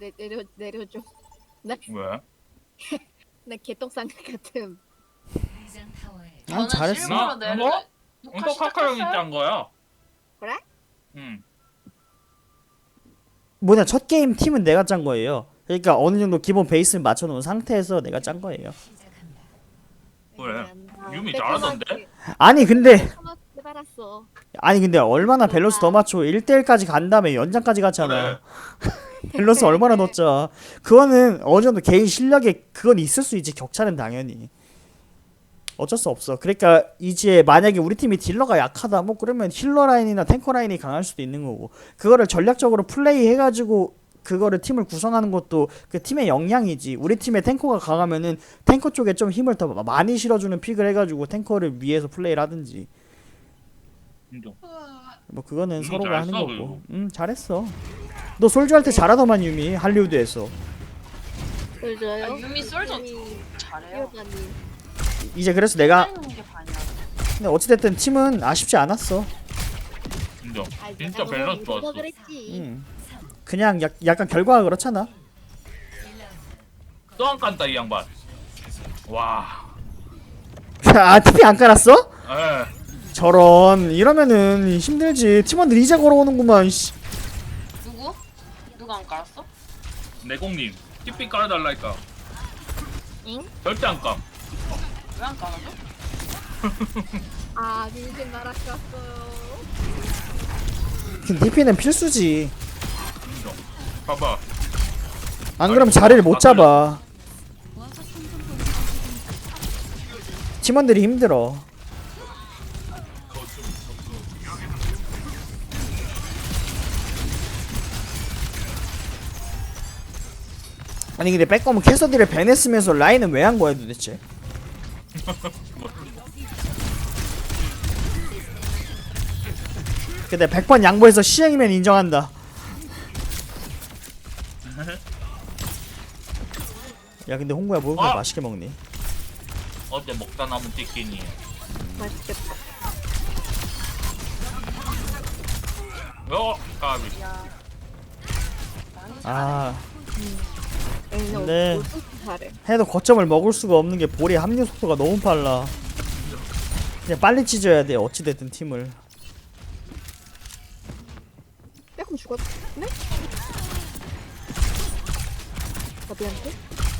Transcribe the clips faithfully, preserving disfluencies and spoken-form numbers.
내, 내려 내려줘. 나, 왜? 나 개똥상 같음. 난 잘했어. 나? 내려. 뭐? 녹화 이거 카카 형이 시작했어요? 짠 거야. 그래? 응. 뭐냐, 첫 게임 팀은 내가 짠 거예요. 그러니까 어느 정도 기본 베이스를 맞춰놓은 상태에서 내가 짠 거예요. 그래. 아, 유미 빼꼼하게, 잘하던데? 아니 근데 빼꼼하게 알았어. 아니 근데 얼마나 밸런스 더 맞춰. 일 대일까지 간 다음에 연장까지 갔잖아. 밸런스 얼마나 넣었자. 그거는 어느 정도 개인 실력에 그건 있을 수 있지. 격차는 당연히 어쩔 수 없어. 그러니까 이제 만약에 우리 팀이 딜러가 약하다 뭐 그러면 힐러 라인이나 탱커 라인이 강할 수도 있는 거고, 그거를 전략적으로 플레이 해가지고 그거를 팀을 구성하는 것도 그 팀의 역량이지. 우리 팀의 탱커가 강하면은 탱커 쪽에 좀 힘을 더 많이 실어주는 픽을 해가지고 탱커를 위해서 플레이를 하든지 인정. 뭐 그거는 음, 서로가 잘했어, 하는 거고. 그리고. 음 잘했어. 너 솔저 할 때 잘하더만 유미 할리우드에서. 솔져요? 아, 유미 솔저 잘해요. 뛰어다니. 이제 그래서 내가 하는 게 반이야. 근데 어찌됐든 팀은 아쉽지 않았어. 인정. 아, 진짜 내가 밸런스 너무 좋았어. 그랬지. 음. 그냥 약, 약간 결과가 그렇잖아. 또 안 깐다 이 양반. 와. 아 티피 안 깔았어? 에. 저런 이러면은 힘들지. 팀원들 이제 걸어오는구만. 씨. 누구? 누가 안 깔았어? 내공님. 티피 깔아달라니까. 응? 절대 안 깜. 왜 안 깔아줘? 아, 민심 날아갔어요. 티피는 필수지. 인정. 봐봐. 안 그러면 자리를 못 잡아. 팀원들이 힘들어. 아니 근데 백검은 캐서디를 밴했으면서 라인은 왜 한 거야 도대체? 근데 백 번 양보해서 시행이면 인정한다. 야 근데 홍구야 뭐 그렇게 아! 맛있게 먹니? 어제 먹다 남은 치킨이. 맛있겠다. 어, 까비. 야. 아 응, 근데- 너 어떻게 잘해? 해도 거점을 먹을 수가 없는 게 볼의 합류 속도가 너무 빨라. 그냥 빨리 찢어야 돼 어찌됐든 팀을. 빼꼼 죽었네? 바비한테?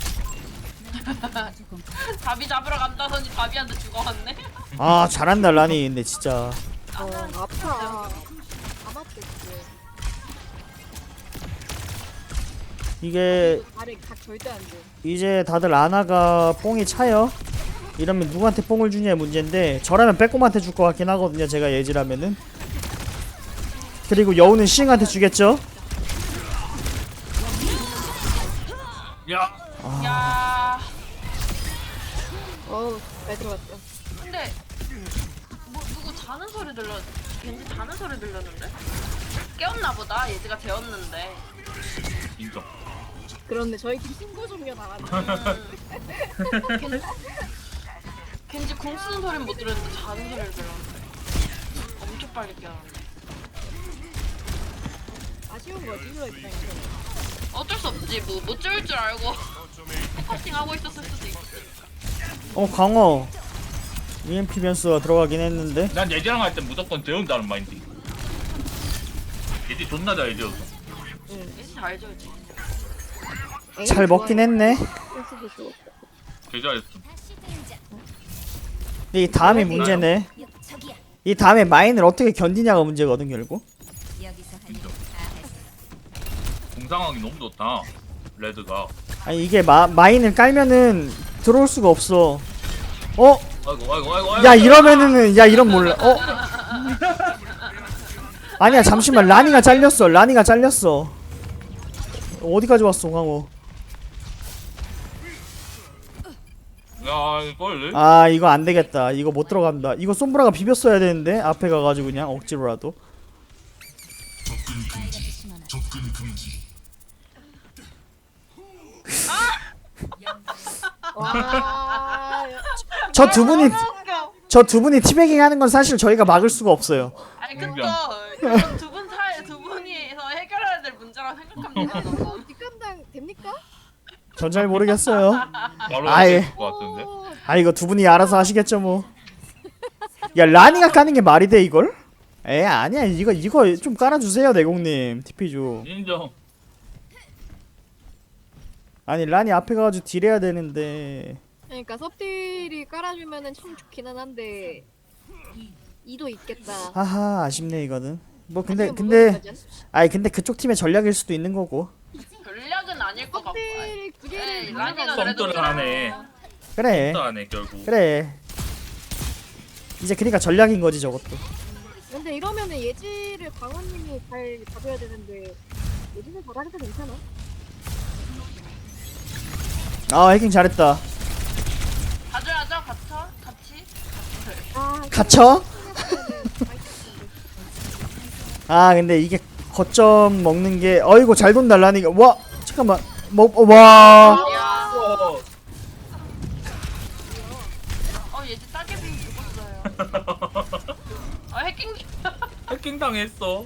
답이 잡으러 간다더니 답이한테 죽어왔네. 아 잘한다 라니. 근데 진짜 어, 아파. 다 맞겠지. 이게 발에 각 절대 안 돼. 이제 다들 아나가 뽕이 차요. 이러면 누구한테 뽕을 주냐의 문제인데 저라면 빼꼼한테 줄 것 같긴 하거든요 제가 예지라면은. 그리고 여우는 시잉한테 주겠죠. 야. 야. 어우, 잘 들어갔다. 근데 뭐 누구 자는 소리 들려? 왠지 자는 소리 들렸는데? 깨웠나 보다. 예지가 재웠는데. 인정. 그런데 저희 팀 신고 종료 나왔네. 겐지 궁 쓰는 소리는 못 들었는데 자는 소리를 들었는데. 엄청 빨리 깨웠는데. 아쉬운 거지, 이거 입장에서. 어쩔 수 없지. 뭐 못 재울 줄 알고 포커싱 하고 있었을 수도 있고. 어 강어 이엠피 변수가 들어가긴 했는데. 난 예지랑 할 때 무조건 재운다는 마인드. 예지 존나 잘 재웠어. 예지 잘 재우지. 잘 먹긴 했네. 센스도 좋았고. 개 잘했어. 근데 이 다음이 문제네. 이 다음에 마인을 어떻게 견디냐가 문제거든 결국. 인정. 공상황이 너무 좋다. 레드가. 아니 이게 마, 마인을 깔면은 들어올 수가 없어. 어? 아이고 아이고 아이고. 아이고. 야 이러면은 야 이런 몰라. 어? 아니야 잠시만 라니가 잘렸어. 라니가 잘렸어. 어디까지 왔어 강호? 야 이걸. 아 이거 안 되겠다. 이거 못 들어간다. 이거 솜브라가 비볐어야 되는데 앞에 가가지고 그냥 억지로라도. 와, 저 두 분이 웃겨. 저 두 분이 티베깅 하는 건 사실 저희가 막을 수가 없어요. 아니 인정. 그쵸. 두분 사이 두 분이서 해결해야 될 문제라고 생각합니다. 뒷감당 됩니까? 전 잘 모르겠어요. 바로 아예. 될것 같은데. 오, 아 이거 두 분이 알아서 하시겠죠 뭐. 야 라니가 까는 게 말이 돼 이걸? 에 아니야 이거 이거 좀 깔아주세요 내공님 티피 좀. 인정. 아니 라니 앞에 가가지고 딜해야 되는데. 그러니까 섭딜이 깔아주면은 참 좋기는 한데 이도 있겠다. 하하 아쉽네 이거는. 뭐 근데 아니면 근데 무거운 거지? 아니 근데 그쪽 팀의 전략일 수도 있는 거고. 전략은 아닐 것 같고. 섭딜 두 개를 에이, 가져가는 라니가 거. 그래도 썸들을 하네. 그래 또 하네 결국. 그래. 이제 그러니까 전략인 거지 저것도. 근데 이러면은 예지를 광원님이 잘 잡아야 되는데 예지는 잘하니까 괜찮아. 아 해킹 잘했다. 가져야죠, 같이. 같이. 아, 갇혀? 생각하면은 맛있었는데. 아 근데 이게 거점 먹는 게 어이구 잘 돈다 라니가. 와 잠깐만 뭐와 야, 어. 어 얘지 따개비 죽었어요. 아 해킹. 해킹 당했어.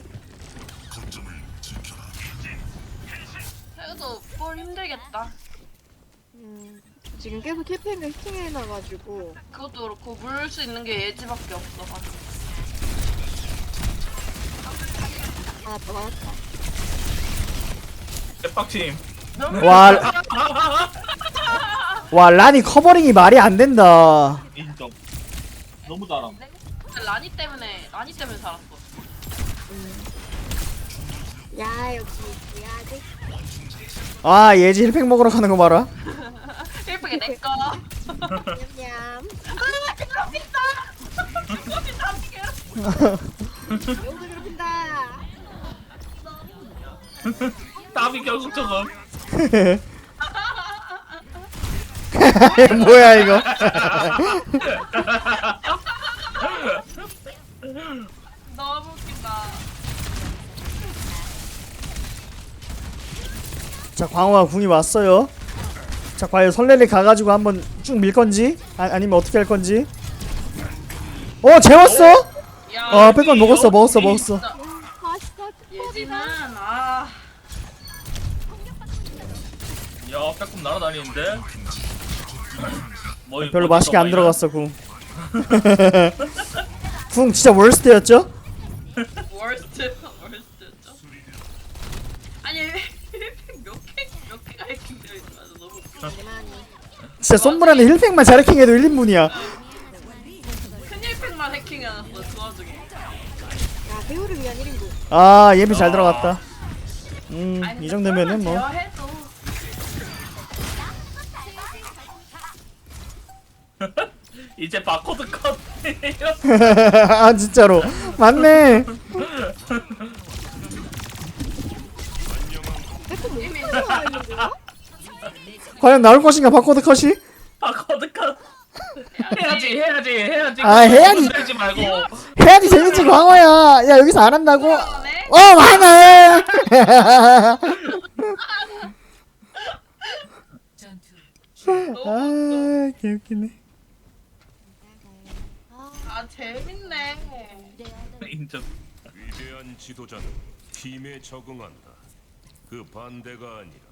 그래도 볼 힘들겠다. 음, 지금 계속 킬팩을 해킹해놔가지고 그것도 그렇고 물 수 있는 게 예지밖에 없어. 아, 더 나왔다. 대박팀. 와, 와 라니 커버링이 말이 안 된다. 인정. 너무 잘함. 라니 때문에 라니 때문에 살았어. 야, 역시 야지. 아 예지 힐팩 먹으러 가는 거 봐라. 예쁘게 내 거. 냠냠. 아 괴롭힌다. 괴롭힌다. 여기서 괴롭힌다. 답이 결국 저거. 뭐야 이거. 너무 웃긴다. 자 광호가 궁이 왔어요. 자 과연 설레를 가가지고 한번 쭉 밀 건지 아, 아니면 어떻게 할 건지. 어 재웠어? 야, 아 백건 먹었어 먹었어 먹었어. 진짜 맛있어. 예지는 아 야 빼꼼 날아다니는데. 뭐, 별로 어디서 맛있게 안 많이 들어갔어 궁. 궁 진짜 월스트였죠? 월스트 월스트죠. 아니 몇개몇 개가 해킹되어 있어. 너무 웃겨. 많이. 진짜 솜브라는 힐팩만 잘 해킹해도 일 인분이야. 큰 힐팩만 해킹해놨어 그 와중에. 야, 배우를 위한 일 인분. 아 예비 잘 들어갔다. 아니, 음 근데 이 정도면은 뭐. 제어해도 이제 바코드 컷. 아 진짜로 맞네. 백건 이미 나와 있는 거야? 과연 나올 것인가 바코드 컷이? 바코드 컷. 해야지 해야지 해야지. 아, 해야지. 흔들지 말고. 해야지 재밌지 광호야. 야 여기서 안 한다고? 네? 어 하네. 아 개웃기네. 아 재밌네. 인정. 위대한 지도자는 팀에 적응한다. 그 반대가 아니라.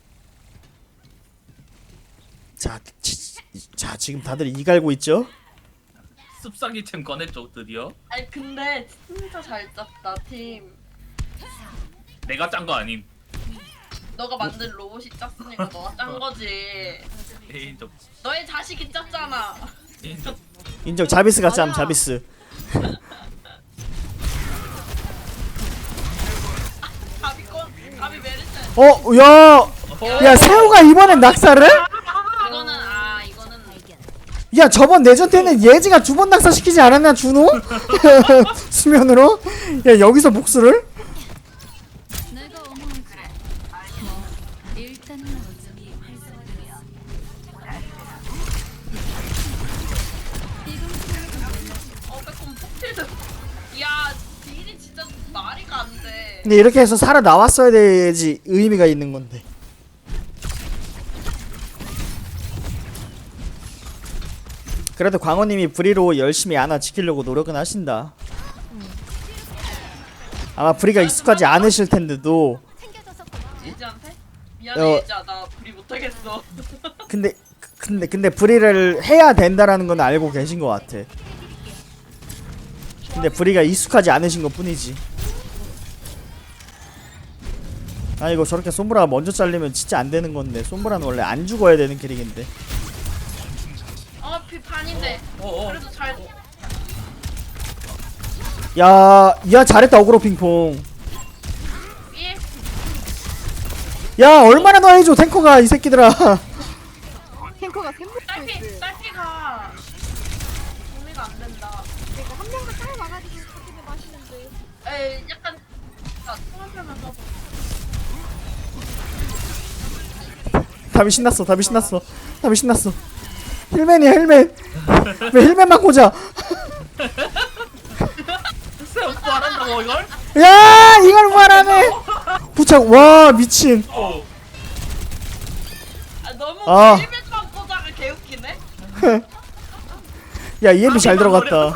자, 지, 자 지금 다들 이 갈고 있죠? 습사기챔 꺼냈죠 드디어. 아니 근데 진짜 잘 짰다 팀. 내가 짠 거 아님. 너가 만든 로봇이 짰으니까 너가 짠 거지. 인정. 너의 자식이 짰잖아. 인정. 인정. 자비스 같지 않 맞아. 자비스. 가비 건 가비 메르스. 어, 야, 야 세호가 이번엔 낙사를? 이거는 아 이거는 야 저번 내전 때는 예지가 두 번 낙사시키지 않았나 준호? 수면으로? 야 여기서 복수를? 내가 어머니 그래. 뭐 일단은 어차피 활성화되어. 어 빼꼼 폭필드. 야 딜이 진짜 말이가 안 돼. 근데 이렇게 해서 살아 나왔어야 되지 의미가 있는 건데. 그래도 광호님이 브리로 열심히 아나 지키려고 노력은 하신다. 아마 브리가 익숙하지 않으실 텐데도 예지한테? 미안해 어. 예지야 나 불이 못하겠어. 근데 근데 근데 브리를 해야 된다라는 건 알고 계신 것 같아. 근데 브리가 익숙하지 않으신 것 뿐이지. 아 이거 저렇게 솜브라가 먼저 잘리면 진짜 안 되는 건데 솜브라는 원래 안 죽어야 되는 캐릭인데. 어 피 반인데. 어어. 그래도 잘. 야, 야 잘했다 어그로 핑퐁. 예. 야 얼마나 더 해줘 탱커가 이 새끼들아. 탱커가 샘물 딸피 있어. 딸피가 정리가 안 된다. 그러니까 한 명만 잘 와가지고 사기면 맛있는데. 에 약간 나 통합하면 써서. 답이 신났어 답이 신났어 답이 신났어. 힐맨이야 힐맨. 왜 힐맨만 꽂아. 글쎄 말한다고 이걸? 야 이걸 말하네. 부착 와 미친. 어. 아 너무 아. 일면만 꽂아가 개웃기네. 야 이엠피 잘 들어갔다.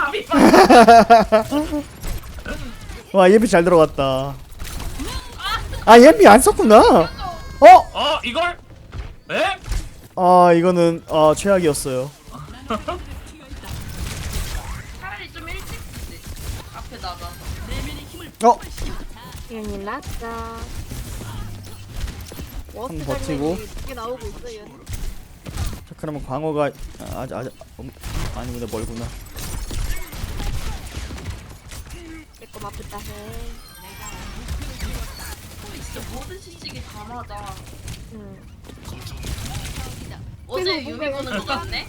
와 이엠피 잘 들어갔다. 아 이엠피 안 썼구나. 어? 어 이걸? 에? 아 이거는 아 최악이었어요. 차라리 좀 일찍 쓰지. 앞에 나가서. 어? 큰일 났다. 워스트 한번 버티고. 장면이 두개 나오고 있어요. 자 그러면 광어가 아, 아직 아직 음, 아니구나 멀구나. 내거 맞겠다 해. 진짜 모든 시식이 다 맞아. 응. 어제 유미 보는 거 같네.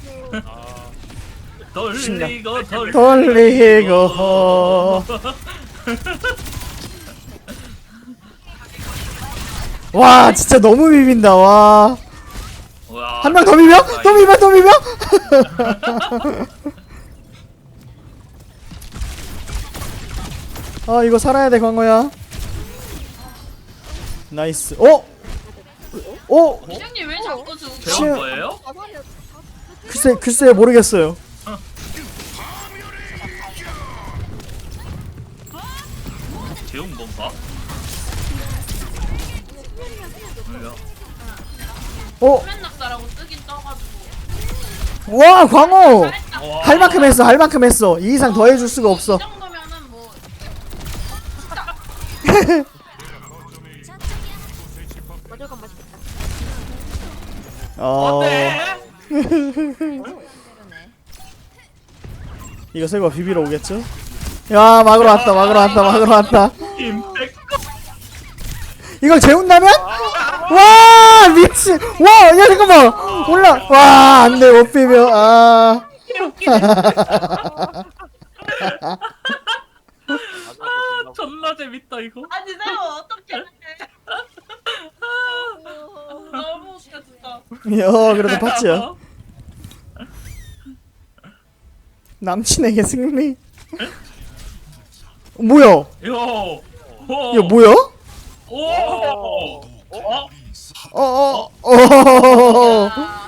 돌리고 돌리고. 돌리고. 와 진짜 너무 비빈다 와. 한 명 더 비벼? 또 비벼 또 비벼? 아 이거 살아야 돼 광어야. 나이스. 어? 어? 시장님 왜 자꾸 죽어? 배운 거예요? 가사리야. 글쎄 글쎄 모르겠어요. 배운 건가? 어? 맨 낙사라고 뜨긴 떠가지고. 와 광어. 잘했다. 와. 할 만큼 했어 할 만큼 했어. 이 이상 더 해줄 수가 없어. 이 정도면은 뭐 마저간 맛있겠다. 어 어때? 이거 설마 비비러 오겠죠? 야 막으러 왔다 막으러 왔다 막으러 왔다. 임팩트. 이걸 재운다면? 와 미친. 와야 잠깐만 올라. 와 안돼 못 비벼. 아 아 존나 재밌다 이거. 아니 내가 어떻게 해? 너무 웃겨 진짜. 야 그래도 파츠야. 남친에게 승리. 뭐야? 요. 오. 야 뭐야? 오. 어? 어어어 어, 어, 어, 어. 아,